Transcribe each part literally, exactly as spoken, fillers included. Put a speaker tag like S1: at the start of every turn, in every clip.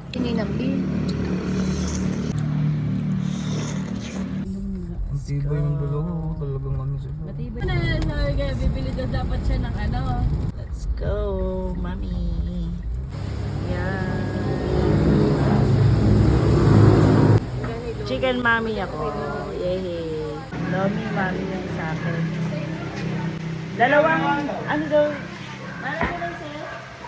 S1: Ininambi.
S2: Matibay ng dalawa, oh. Talagang ano sila.
S1: Matibay na, sabi kaya bibili daw dapat siya ng ano.
S3: Let's go, mami. Yan. Chicken mami ako. Yay. Lomi mami yung sa akin. Dalawang, ano daw? Ano daw sa'yo?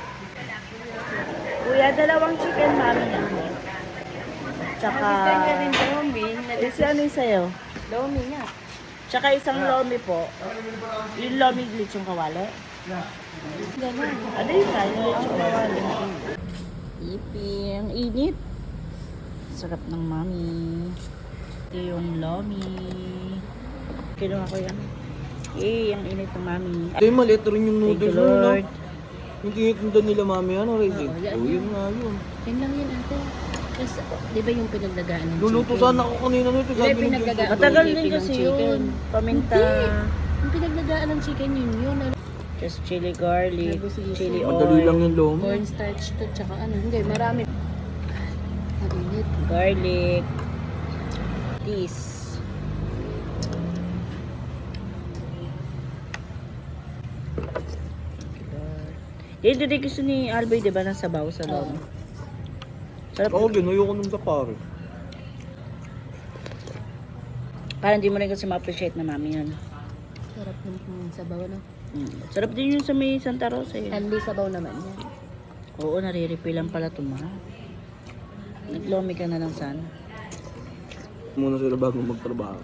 S3: Kuya, dalawang chicken mami ako. Tsaka,
S1: Assistant ka din Lomi.
S3: isi ano yung sa'yo?
S1: Lomi nga.
S3: Tsaka isang lomi po. Yung lomi lechong kawali.
S1: Ganun.
S3: Ano yun nga? Yung lechong kawali. Ipi, ang init. Sarap ng mami. Ito yung lomi. Kinuha ko yan. Eh, ang init ng mami.
S2: Ito yung maliit rin yung
S3: Thank you,
S2: noodles mo, no?
S3: Lord.
S2: Yung tinitinda nila mami, ano, Reggie?
S1: Oo, yan
S2: Oo,
S1: yun.
S2: yun nga yun.
S1: Yan lang yun ate. Tapos, di ba yung pinagdagaan ng
S2: Luluto
S1: chicken?
S2: sana ako kanina nito.
S1: Hindi,
S2: Sabi ng
S1: pinagdagaan.
S2: Jojo.
S3: Matagal
S1: Ipi
S3: din
S1: ng
S3: kasi
S1: chicken.
S3: yun. Paminta.
S1: Yung pinagdagaan ng chicken yun yun. Ano?
S3: Just chili garlic,
S1: Nabusisi.
S3: chili
S2: Madali lang
S3: oil,
S2: yung lomi.
S1: Cornstarch to, tsaka ano. Hindi, marami. Ang init.
S3: garlic, this. Yan ito din gusto ni Alboy, di ba, ng sabaw sa loob. Sarap.
S2: Ako din, ayoko nung sa pare.
S3: Parang hindi mo rin kasi ma-appreciate na mami yan.
S1: Sarap ng ng sabaw, no?
S3: Mm. Sarap din yun sa may Santa Rosa. Eh.
S1: Only sabaw naman yan.
S3: Oo, nare-refill lang pala ito, ma. Naglomi ka na lang sana.
S2: Muna sila bago magtrabaho.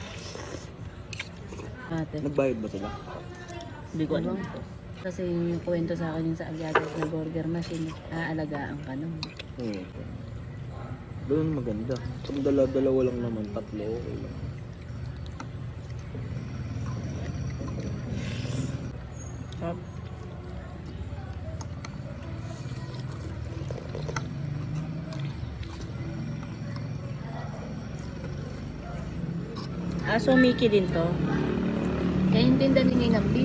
S1: Ate.
S2: Nagbayad ba sila?
S3: Hindi ko alam.
S1: Kasi yung kwento sa akin yung sa Agyagas na burger machine, aalagaan ka nun.
S2: Hmm. Doon maganda. Pag dala-dalawa lang naman, tatlo, okay lang.
S3: Sarap. Ah, so Mickey din to.
S1: Kaya yung tinda ni Ninambi.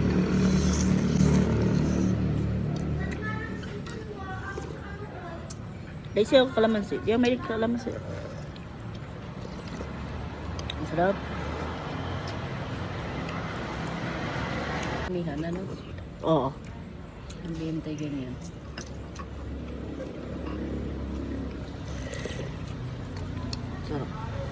S3: Dahil siya ako kalamansi. Di ako may kalamansi. Ang sarap.
S1: Mihan, ano?
S3: Oo.
S1: Hindi yung tayo ganyan.
S3: Sarap.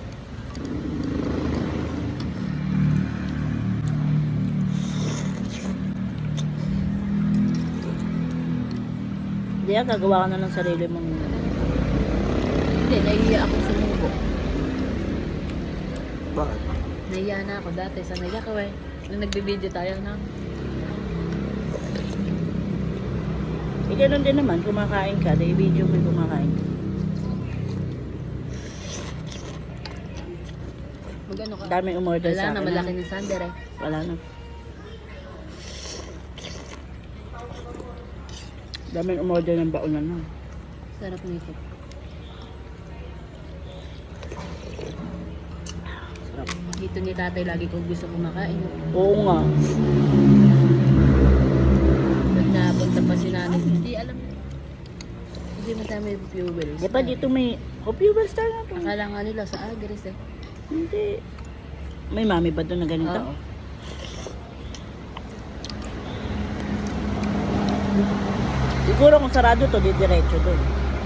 S3: Di ah, gagawa ka na ng sarili mong...
S1: Hindi, nahiya ako sumubo.
S2: Bakit?
S1: Nahiya na ako dati. Sa nahiya ko eh. Nung nagbibideo tayo na.
S3: Eh, ganun din naman, kumakain ka, dahil video mo yung kumakain ka.
S1: Mag-ano ka?
S3: Daming umorder
S1: Wala
S3: sa
S1: na,
S3: akin.
S1: malaki ng sander eh.
S3: Wala na. Daming umorder ng baunan na.
S1: Sarap nito.
S3: Sarap.
S1: Dito ni tatay lagi kong gusto kumakain.
S3: Oo nga.
S1: Pag napunta pa si nanay, hindi alam. Hindi madami fuels.
S3: Di ba dito may... Oh, fuel star na to.
S1: Akala nga nila sa Agres eh.
S3: Hindi. May mami ba doon na ganito?
S1: Oo.
S3: Siguro kung sarado to, di diretso doon.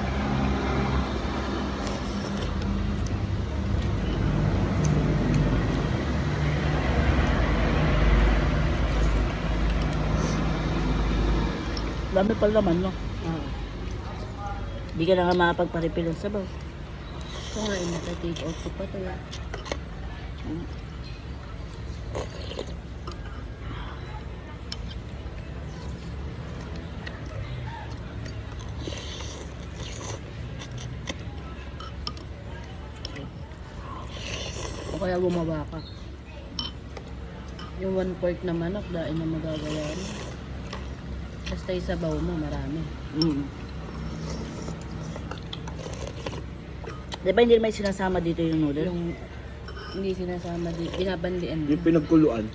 S3: Dami pala naman, no?
S1: Oo.
S3: Di ka na nga makapagparipil ng sabaw.
S1: Ito nga, inata-take out ko pa to eh. O kaya gumawa ka. Yung one fourth na manok, dahil na magagawa mo. Basta yung sabaw mo, marami.
S3: Mm. Di ba hindi may sinasama dito yung noodle?
S1: Yung hindi sinasama di, binabandian.
S2: Yung pinagkuluan.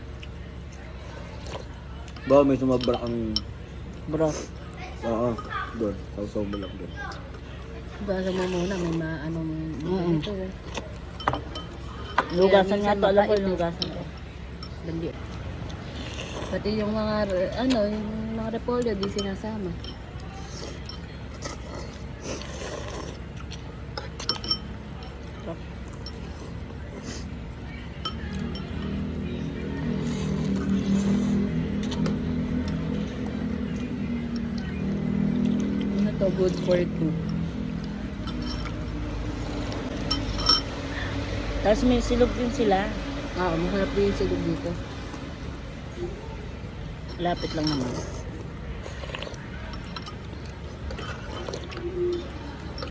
S2: Ba, may sumabra ang...
S3: Broth.
S2: Oo, doon. Sausaw mo lang doon.
S1: Basa mo muna, may maanong
S3: Mm.
S1: ito eh.
S3: Lugasan nga
S1: minsan
S3: to. Alam ko
S1: mapait
S3: yung
S1: eh.
S3: lugasan to.
S1: Bandi. Pati yung mga, re- ano, yung mga repolyo, di sinasama. Ano to, good for two.
S3: Tapos may silog din sila.
S1: Ah, masarap din yung silog dito.
S3: Lapit lang naman.